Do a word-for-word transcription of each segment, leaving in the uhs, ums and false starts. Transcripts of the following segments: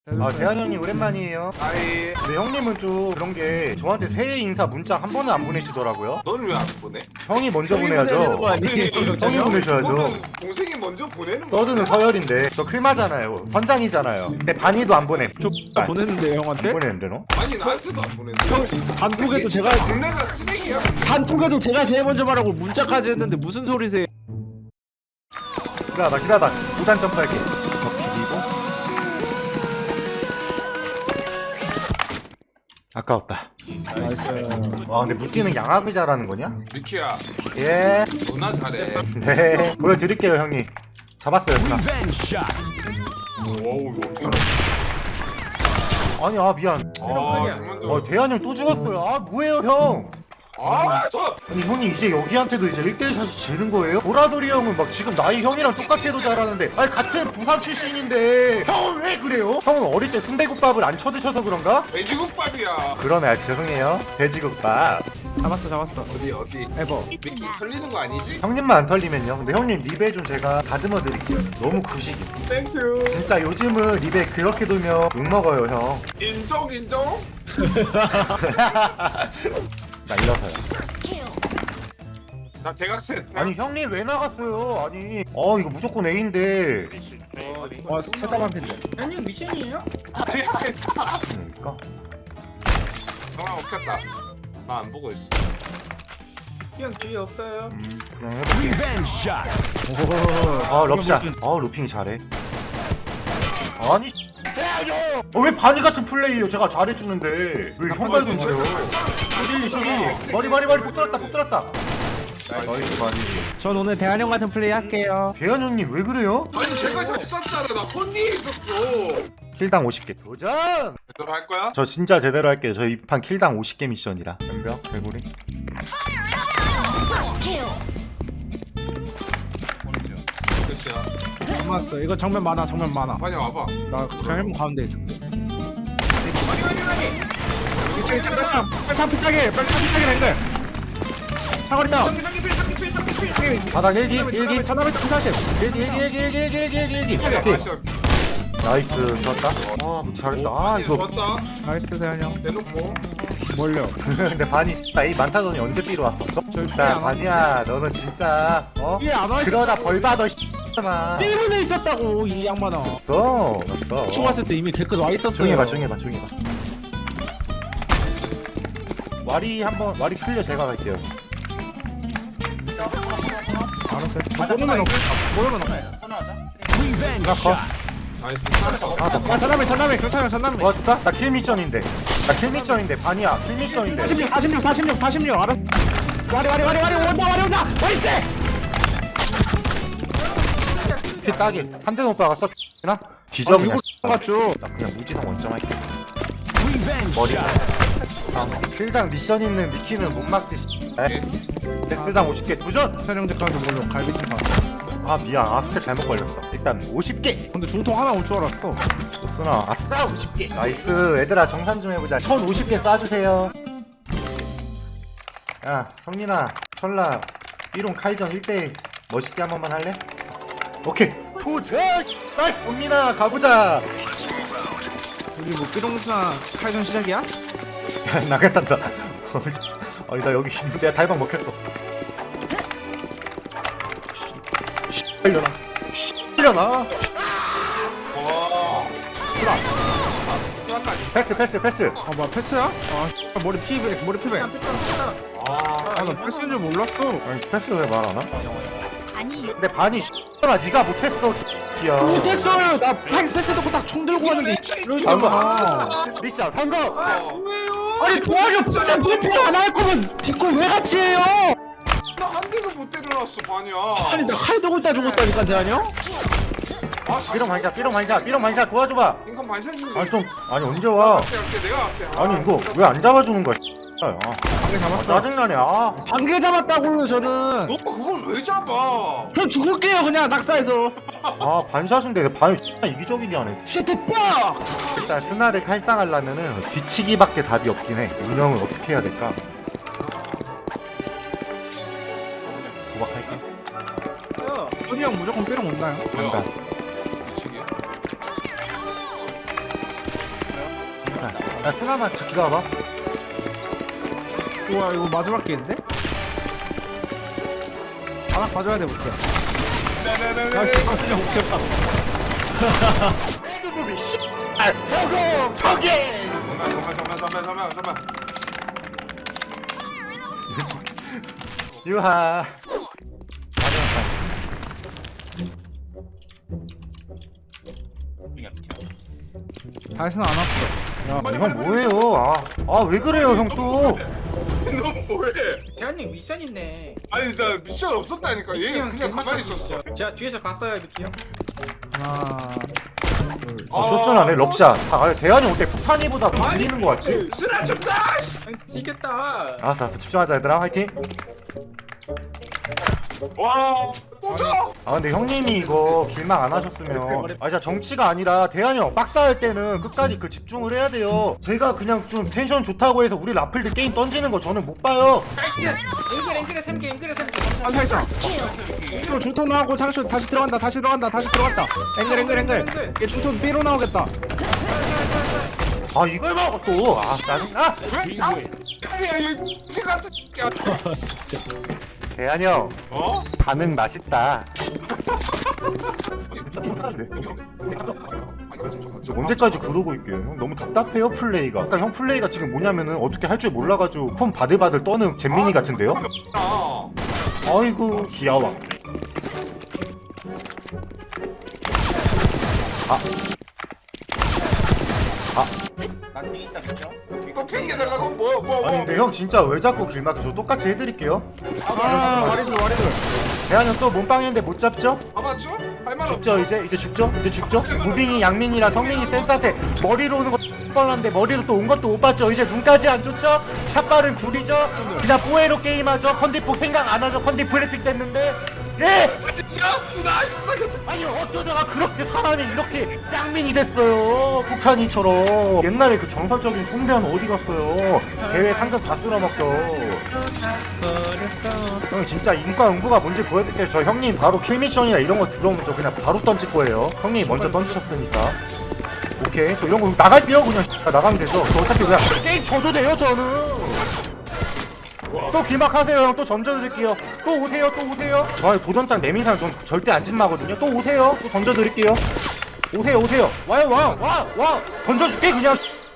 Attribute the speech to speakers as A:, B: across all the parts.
A: 아 대한 형님 오랜만이에요.
B: 아이,
A: 근데 형님은 좀 그런 게 저한테 새해 인사 문자 한 번은 안 보내시더라고요.
B: 너는 왜 안 보내?
A: 형이 먼저
C: 형이 보내는
A: 보내야죠.
C: 거 아니에요?
A: 형이 보내셔야죠.
B: 그거는 동생이 먼저 보내는 거.
A: 서든은 서열인데 저 클마잖아요. 선장이잖아요. 근데 반이도 안 보내.
C: 저
A: 안
C: 보냈는데 형한테?
A: 보내는데 너?
B: 아니 나한테도 안 보내.
C: 형 단톡에도 제가
B: 동네가 쓰레기야.
C: 단톡에도 제가 제일 먼저 말하고 문자까지 했는데 무슨 소리세요?
A: 기다려봐 기다려봐. 우산 점프할게. 덮이고. 아까웠다.
C: 나이스.
A: 와 근데 무띠는 양악을 잘하는 거냐?
B: 미키야,
A: 예.
B: 너나 잘해.
A: 네. 보여드릴게요 형님. 잡았어요 스나.
B: 와우, 이거.
A: 아니 아 미안.
B: 아, 정말
A: 어 대한 형 또 죽었어요. 아 뭐예요 형?
B: 아, 저.
A: 아니 형이 이제 여기한테도 이제 일 대일 샷이 지는 거예요? 보라돌이 형은 막 지금 나이 형이랑 똑같아도 잘하는데 아니 같은 부산 출신인데 형은 왜 그래요? 형은 어릴 때 순대국밥을 안 쳐드셔서 그런가?
B: 돼지국밥이야.
A: 그러네 죄송해요 돼지국밥.
C: 잡았어 잡았어.
B: 어디 어디?
C: 에버.
B: 미키 털리는 거 아니지?
A: 형님만 안 털리면요. 근데 형님 립에 좀 제가 다듬어 드릴게요. 너무 구식이.
B: 땡큐.
A: 진짜 요즘은 립에 그렇게 돌면 욕먹어요 형.
B: 인정 인정.
A: 나 일어서요.
B: 나 대각선.
A: 아니 형님 왜 나갔어요? 아니 어 이거 무조건 A인데
C: 와 세다만 핀데.
D: 아니요 미션이에요?
B: 아니 아니.
A: 그러니까
B: 정말 없겠다. 나 안 보고 있어.
D: 형 뒤에 없어요.
A: 음, 그냥 해볼게. 아 럽샷. 아 루핑이 잘해. 아니 대야요. 어, 왜 바니 같은 플레이요? 제가 잘해주는데 왜 형발 던져요? 쇼딜리 쇼딜리. 머리 머리 머리 폭 들었다 폭 들었다. 나이스 바니.
C: 전 오늘 대한 형 같은 플레이 할게요.
A: 대현 형님 왜 그래요?
B: 아니 제가 잘 쐈잖아. 나 혼니에 있었어.
A: 킬당 오십 개 도전.
B: 제대로 할 거야?
A: 저 진짜 제대로 할게요. 저 이 판 킬당 오십 개 미션이라. 덤벼 개구리.
B: 끝이야.
C: 고마웠어. 이거 정면 많아 정면 많아.
B: 빨리 와봐.
C: 나 그냥 헬멧 가운데 있을게.
D: 아니 아니 아니.
C: 이층 이층 다시 빨리 창 피타게 빨리 창 피타게 랭글. 사거리 다운.
D: 상기 상기 필 상기 필 상기 필.
A: 바닥 일기 일기
C: 전화벨 사십.
A: 일기 일기 일기 일기 일기 일기 일기 일기.
B: 오케이.
A: 오케이.
B: 나이스.
A: 나이스 좋았다. 아 잘했다. 아 이거
B: 좋았다.
C: 나이스 대한 형.
B: 내놓고.
C: 뭘요?
A: 근데 반이 나이 많다더니 언제 삐로 왔어? 진짜 반이야 너는 진짜 어?
C: 이게 안 와.
A: 그러다 벌 받아 씨X나
C: 일 분에 있었다고 이 양반아.
A: 없어 없어
C: 총 왔을 때 이미 개끝 와 있었어요.
A: 조용히 해봐 조용히 해봐 조용히 해봐 와리 한번 와리 클리어 제가 갈게요.
C: 알았어요. 모르면 없어. 모르면 없어.
A: 나 컷.
B: 나이스.
A: 아나
C: 아 전남에 전남에 경찰형 전남에.
A: 도와줄까? 나 킬 미션인데 나 킬 미션인데 반이야 킬 미션인데
C: 사십육 사십육 사십육 사십육 알았어. 와리 와리 와리 와리 온다 와리 온다 와리 째.
A: 피 따길 한대 오빠가 써 나? 뒤져 그냥
C: 맞죠.
A: 나 그냥 무지성 원점 할게. 머리 아, 킬당 미션 있는 미키는 못 막지 데스당 오십 개 도전!
C: 현영제 가서 뭘로 갈비찜 가.
A: 아 미안 아 스텝 잘못 걸렸어. 일단 오십 개
C: 근데 중통 하나 올 줄 알았어.
A: 쓰나 아싸 오십 개 나이스. 얘들아 정산 좀 해보자. 천오십 개 쏴주세요. 야 성민아 철라 삐롱 칼전 일 대 일 멋있게 한 번만 할래? 오케이 도전! 나이스 성민아 가보자.
C: 우리 뭐 삐롱스나 칼전 시작이야?
A: 나겠단다. 아니 나 여기 있는데 야, 달방 먹혔어. 빨려나 빨려나
B: 와.
A: 수라
B: 수락까지.
A: 패스 패스 패스.
C: 아 뭐야 패스야? 아 머리 피백 머리 피백.
B: 아.
C: 아나 패스인 줄 몰랐어.
A: 아니 패스 왜 말 안 하나?
E: 아니
A: 근데 반이 나 네가 못했어 야
C: 못했어요. 나 패스 패스 듣고 딱 총 들고 왔는데 이러잖아.
A: 미션 성공.
B: 어.
C: 아니 도와줘. 진짜 브리핑 안할 거면 뒷골 왜 같이 해요?
B: 나한 대도 못 때려놨어 반이야.
C: 아니 나 칼 들고 있다 죽었다니까 대한형.
B: 아,
A: 삐롱 반샷 삐롱 반샷 삐롱 반샷 도와줘봐.
B: 인간 반샷인데.
A: 아니 좀 아니 언제 와?
B: 할게 할게 내가 할게. 아.
A: 아니 이거 왜 안 잡아주는 거야? 아,
C: 방개
A: 아
C: 잡았어.
A: 짜증나네. 아
C: 방개 잡았다고요 저는.
B: 너 그걸 왜 잡아?
C: 그럼 죽을게요 그냥 낙사해서.
A: 아 반샷인데 내 반이 이기적이게 하네.
C: 쉐트 빡.
A: 일단 스나를 칼빵하려면은 뒤치기밖에 답이 없긴 해. 운영을 어떻게 해야 될까? 도박할게.
C: 소리 형 무조건 삐롱 온다요.
B: 뭐야?
A: 간다.
B: 미치게.
A: 야 쓰나만 저 기다려봐.
C: 우와 이거 마지막 기회인데? 하나 가져야 돼 볼게. 야 씨발 그냥 오케이 봐.
A: 레드부비 씨. 아 저거 저기.
B: 잠깐 잠깐 잠깐 잠깐 잠깐 잠깐.
A: 유하.
C: 다시는 안 왔어. 야,
A: 아니, 형 뭐예요? 아, 아 왜 그래요 형 또?
B: 너 뭐해?
D: 대한님 미션 있네.
B: 아니 나 미션 없었다니까.
D: 미키
B: 얘는
D: 형
B: 그냥
D: 개맛
B: 가만히
D: 있어.
B: 있었어.
D: 제가 뒤에서 갔어요 미키 형.
C: 하나, 둘.
A: 아, 쇼스나네 럽샷. 아, 대한이 올 때 폭탄이보다 더 밀리는 거 같지?
B: 쓰라 좀 다. 씨.
D: 아니 지겠다.
A: 알았어, 알았어. 집중하자 얘들아. 화이팅.
B: 와. 꽂아.
A: 아 근데 형님이 이거 길막 안 하셨으면 아 진짜 정치가 아니라 대한이 형 박사할 때는 끝까지 그 집중을 해야 돼요. 제가 그냥 좀 텐션 좋다고 해서 우리 라플들 게임 던지는 거 저는 못 봐요.
D: 앵글 앵글에 삼 개, 앵글에 삼 개.
C: 안 살았어. 또 중턴 나오고 장쇼 다시 들어간다. 다시 들어간다. 다시 들어갔다. 앵글 앵글 앵글. 얘 중턴 B로 나오겠다.
A: 아 이걸 먹어 또. 아 짜증나.
B: 왜 참? 아니야 이 X 같은 새끼야.
A: 대한이 형
B: 어?
A: 반응 맛있다. 저 언제까지 그러고 있게요? 형 너무 답답해요 플레이가. 그러니까 형 플레이가 지금 뭐냐면은 어떻게 할 줄 몰라가지고 폰 바들바들 떠는 잼민이 같은데요?
B: 아.
A: 아이고 귀여워. 아. 아.
B: 또 핑계 달라고 뭐 뭐 뭐.
A: 아니 근데 형 진짜 왜 자꾸 길막해? 저 똑같이 해드릴게요.
C: 아 와리들 와리들.
A: 대한 형 또 몸빵했는데 못 잡죠?
B: 잡았죠? 할말 없죠?
A: 죽죠 이제 이제 죽죠? 이제 죽죠? 무빙이 양민이랑 성민이 센스한테 머리로 오는 거 뻔한데 머리로 또 온 것도 못 봤죠? 이제 눈까지 안 좋죠? 샷발은 구리죠? 그냥 뽀에로 게임하죠? 컨디폭 생각 안 하죠? 컨디 플래픽 됐는데 예!
B: 진짜 스나 스나.
A: 아니 어쩌다가 그렇게 사람이 이렇게 짱민이 됐어요 폭탄이처럼. 옛날에 그 정설적인 송대한 어디 갔어요? 대회 상금 다 쓸어먹겨. 형 진짜 인과 응구가 뭔지 보여드릴게요. 저 형님 바로 킬미션이나 이런 거 들어오면 저 그냥 바로 던질 거예요. 형님이 먼저 던지셨으니까. 오케이 저 이런 거 나갈게요. 그냥 나가면 되죠. 저 어차피 그냥 게임 져도 돼요 저는. 또 길막하세요 형. 또 던져드릴게요. 또 오세요 또 오세요. 저 도전장 내민상 전 절대 안 진마거든요. 또 오세요. 또 던져드릴게요. 오세요 오세요. 와요 와 와 와 던져줄게 그냥.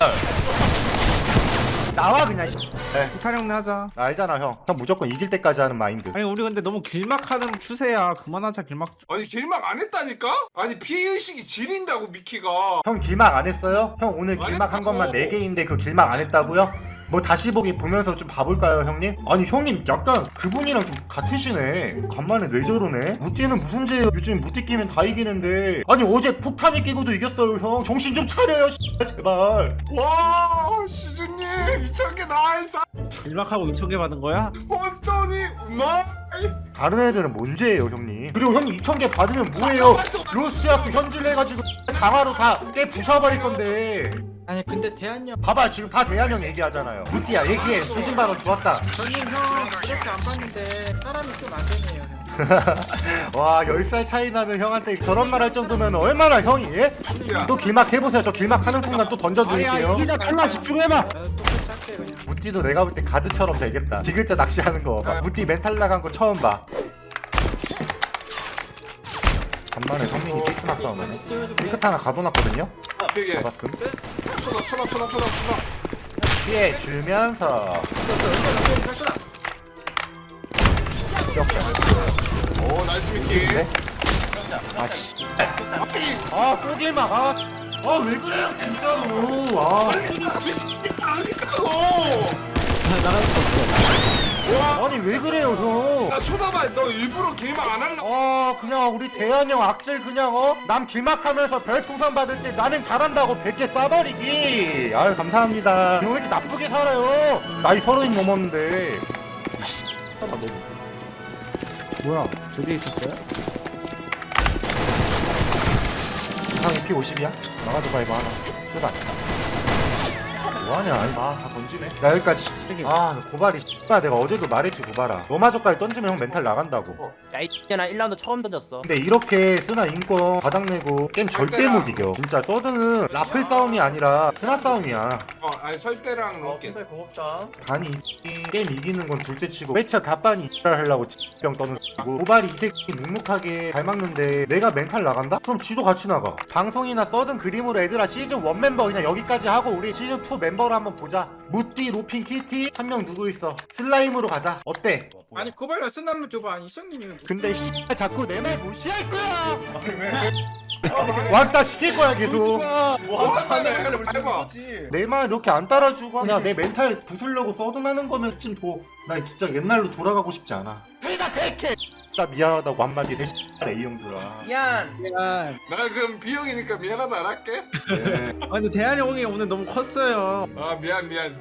A: 나와 그냥. 네.
C: 부타령내 하자.
A: 알잖아 형. 형 무조건 이길 때까지 하는 마인드.
C: 아니 우리 근데 너무 길막하는 추세야. 그만하자 길막.
B: 아니 길막 안 했다니까? 아니 피해의식이 지린다고 미키가.
A: 형 길막 안 했어요? 형 오늘
B: 안
A: 길막 한
B: 했다고.
A: 것만 네 개인데 그 길막 안 했다고요? 뭐 다시 보기 보면서 좀 봐볼까요 형님? 아니 형님 약간 그분이랑 좀 같으시네. 간만에 왜 저러네? 무띠는 무슨 죄예요? 요즘 무띠 끼면 다 이기는데. 아니 어제 폭탄이 끼고도 이겼어요 형. 정신 좀 차려요 제발.
B: 와 시즈님 이천 개 나이스.
C: 길막하고 이천 개 받은 거야?
B: 혼돈이 나이.
A: 다른 애들은 뭔 죄예요 형님? 그리고 형님 이천 개 받으면 뭐예요? 로스트학교 현질 해가지고 강화로 다 깨 부셔버릴 건데.
D: 아니 근데 대한이 형.
A: 봐봐 지금 다 대한 형 얘기하잖아요. 무띠야 얘기해. 수신 발언 좋았다.
D: 저님 형 이렇게 안 봤는데 사람이 좀 안 되네요.
A: 와 열 살 차이 나는 형한테 저런 말 할 정도면 얼마나 형이 예?
B: 야.
A: 또 길막 해보세요. 저 길막 하는 순간 또 던져드릴게요.
C: 이기자 설마 집중해봐.
D: 나도 똑같이 할게 그냥.
A: 무띠도 내가 볼 때 가드처럼 되겠다. 디귿자 낚시하는 거 봐. 무띠 멘탈 나간 거 처음 봐. 간만에 성민이 피스나 싸우네. 삐끗 하나 가둬놨거든요.
B: 되게.
A: 잡았음.
B: 쳐다 쳐다 쳐다 쳐다 쳐다.
A: 피해 주면서
B: 오 나이스 미키.
A: 네? 아씨. 아또 길막. 아. 아 왜 그래요 진짜로. 아.
B: 아니까고.
C: 나갈 수 없어.
A: 아니 왜 그래요 형.
B: 나 쳐다봐. 너 일부러 길막 안 할라.
A: 어 그냥 우리 대한이 형 악질 그냥 어? 남 길막하면서 별풍선 받을 때 나는 잘한다고 백 개 쏴버리기. 아유 감사합니다. 형 왜 이렇게 나쁘게 살아요? 나이 서른이 넘었는데. 아, 너무-
C: 뭐야? 저기 있었어요?
A: 이상이 피 오십이야? 나가도 봐 이거 하나. 쏘다. 뭐하냐? 아다 던지네. 나 여기까지.
C: 저기.
A: 아 고발이 씨발 내가 어제도 말했지 고발아. 너마저까지 던지면 형 멘탈 나간다고.
E: 야이 X년아 일 라운드 처음 던졌어.
A: 근데 이렇게 쓰나 인권 바닥내고 게임 절대 못 이겨. 진짜 서든은 라플 싸움이 아니라 스나 싸움이야.
B: 어 아니 설대랑
D: 어
B: 로켓.
D: 핀발 고맙다.
A: 반이 이 게임 이기는 건 둘째치고 회차 갑반이 X를 하려고 병 떠는 X고 고발이 이 새끼 묵묵하게 잘 막는데 내가 멘탈 나간다? 그럼 쥐도 같이 나가. 방송이나 써든 그림으로 애들아 시즌 일 멤버 그냥 여기까지 하고 우리 시즌 이 멤버로 한번 보자. 무띠, 로핀, 키티 한 명 누구 있어? 슬라임으로 가자. 어때?
D: 아니 그발로 쓴 한번 줘봐. 아니 시장님이.
A: 근데 씨 자꾸 내 말 무시할 거야. 왕따 시킬 거야 계속.
B: 뭐 하네 우리 해봐.
A: 내 말 이렇게 안 따라주고 그냥 내 멘탈 부수려고 써둔하는 거면 좀 보. 나 진짜 옛날로 돌아가고 싶지 않아. 회다 대캐. 나 미안하다고 한마디 해. A 형들아.
D: 미안.
C: 미안.
B: 나 그럼 B형이니까 미안하다 안 할게.
A: 네.
C: 아 근데 대한이 형이 오늘 너무 컸어요.
B: 아 미안 미안.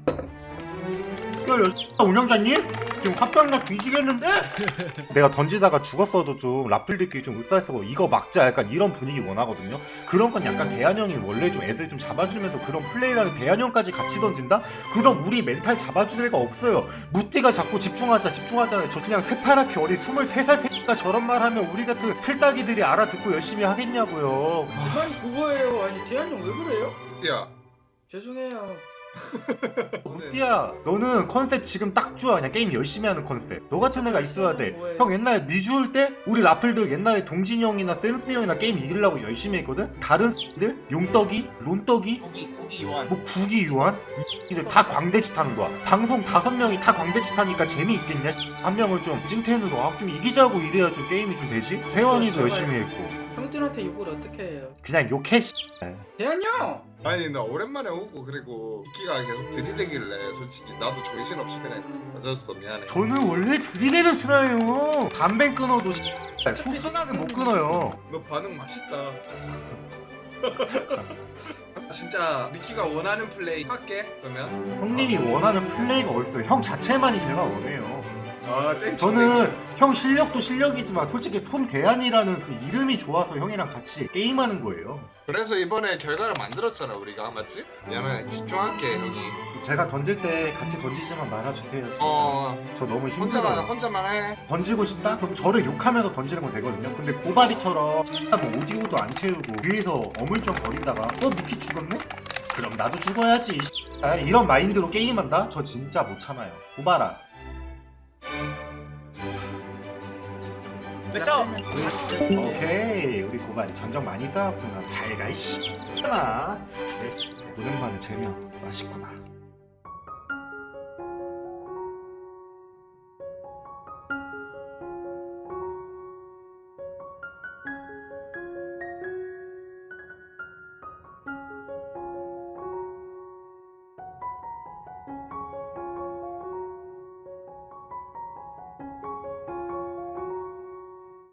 A: 야, 야, 운영자님? 지금 화병나 뒤지겠는데? 내가 던지다가 죽었어도 좀 라플들끼리 좀 윽살쓰고 이거 막자 약간 이런 분위기 원하거든요. 그런 건 약간 대한형이 원래 좀 애들 좀 잡아주면서 그런 플레이랑 대한형까지 같이 던진다? 그럼 우리 멘탈 잡아줄 애가 없어요. 무띠가 자꾸 집중하자 집중하잖아요. 저 그냥 새파랗게 어린 스물세 살 새끼가 저런 말 하면 우리 같은 틀딱이들이 알아듣고 열심히 하겠냐고요.
D: 아니 그거예요. 아니 대한형 왜 그래요?
B: 야.
D: 죄송해요.
A: 무띠야 너는 컨셉 지금 딱 좋아. 그냥 게임 열심히 하는 컨셉. 너 같은 애가 있어야 돼.
D: 뭐예요?
A: 형 옛날에 미주일 때 우리 라플들 옛날에 동진이 형이나 센스 형이나 게임 이기려고 열심히 했거든. 다른 들 용떡이 론떡이
E: 구기 구기 요한.
A: 뭐 구기 유한 이들 다 광대짓 하는 거야. 방송 다섯 명이 다 광대짓 하니까 재미있겠냐. 한 명은 좀 찐텐으로 아, 좀 이기자고 이래야 좀 게임이 좀 되지. 태원이도 열심히 했고.
D: 형들한테 욕을 어떻게 해요?
A: 그냥 욕해.
D: 대한형.
B: 아니 나 오랜만에 오고 그리고 키가 계속 들이대길래 솔직히 나도 정신없이 그냥 던졌어 미안해.
A: 저는 원래 들이대는 스라예요. 담배 끊어도 소순하게 못 끊어요.
B: 너 반응 맛있다. 진짜 미키가 원하는 플레이 할게 그러면.
A: 형님이 원하는 플레이가 어딨어요. 형 자체만이 제가 원해요.
B: 아 땡큐.
A: 저는 형 실력도 실력이지만 솔직히 손대한이라는 그 이름이 좋아서 형이랑 같이 게임하는 거예요.
B: 그래서 이번에 결과를 만들었잖아 우리가 맞지? 미안해 집중할게 형이.
A: 제가 던질 때 같이 던지지만 말아주세요 진짜.
B: 어
A: 저 너무
B: 혼자만
A: 힘들어요.
B: 혼자만 해.
A: 던지고 싶다? 그럼 저를 욕하면서 던지는 건 되거든요. 근데 고바리처럼 뭐 오디오도 안 채우고 뒤에서 어물쩡거리다가 어 미키 죽었네? 그럼 나도 죽어야지. 아, 이런 마인드로 게임한다? 저 진짜 못 참아요. 고바라.
E: 됐죠?
A: 오케이 우리 고발이 전적 많이 쌓았구나. 잘가 이씨. 하나 오랜만에 재명 맛있구나.